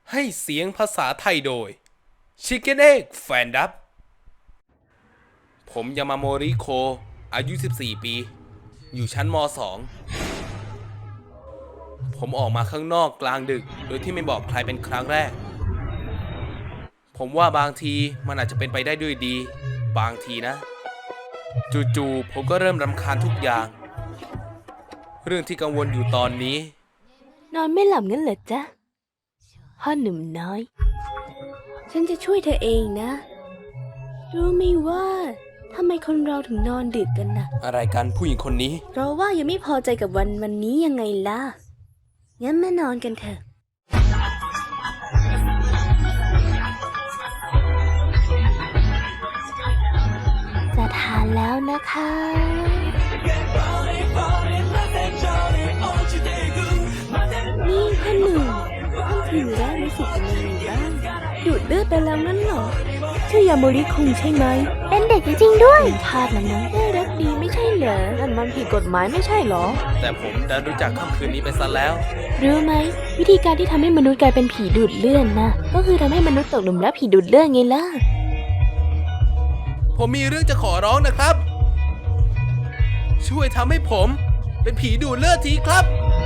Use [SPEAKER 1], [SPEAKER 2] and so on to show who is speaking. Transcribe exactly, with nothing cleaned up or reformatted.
[SPEAKER 1] ให้เสียงภาษาไทยโดย Chicken Egg Fan Dub ผมยามาโมริโคอายุสิบสี่ปีอยู่ชั้นม สอง ผมออกมาข้างนอกกลางดึกโดยที่ไม่บอกใครเป็นครั้งแรกผมว่าบางทีมันอาจจะเป็นไปได้ด้วยดีบางทีนะจู่ๆผมก็เริ่มรำคาญทุกอย่างเรื่องที่กังวลอยู่ตอนนี้
[SPEAKER 2] นอนไม่หลับงั้นเหรอจ๊ะพ่อหนุ่มน้อยฉันจะช่วยเธอเองนะรู้ไหมว่าทำไมคนเราถึงนอนดึกกันนะ
[SPEAKER 1] อะไรกันผู้หญิงคนนี้
[SPEAKER 2] เพราะว่ายังไม่พอใจกับวันวันนี้ยังไงล่ะงั้นมานอนกันเถอะจะทานแล้วนะคะนี่พ่อหนุ่มท่านถือได้รู้สึกเป็นยังไงบ้างดูดเลือดไปแล้วนั่นเหรอชื่อยาโมริคุงใช่ไหมเป็นเด็กจริงๆด้วยทาสนะนะน่ารักดีไม่ใช่เหรอนั่นมันผิดกฎหมายไม่ใช่เหรอ
[SPEAKER 1] แต่ผมดันรู้จักค่ำคืนนี้ไปซะแล้ว
[SPEAKER 2] รู้ไหมวิธีการที่ทำให้มนุษย์กลายเป็นผีดูดเลือดนะก็คือทำให้มนุษย์ตกหลุมรักผีดูดเลือดไงล่ะ
[SPEAKER 1] ผมมีเรื่องจะขอร้องนะครับช่วยทำให้ผมเป็นผีดูดเลือดทีครับ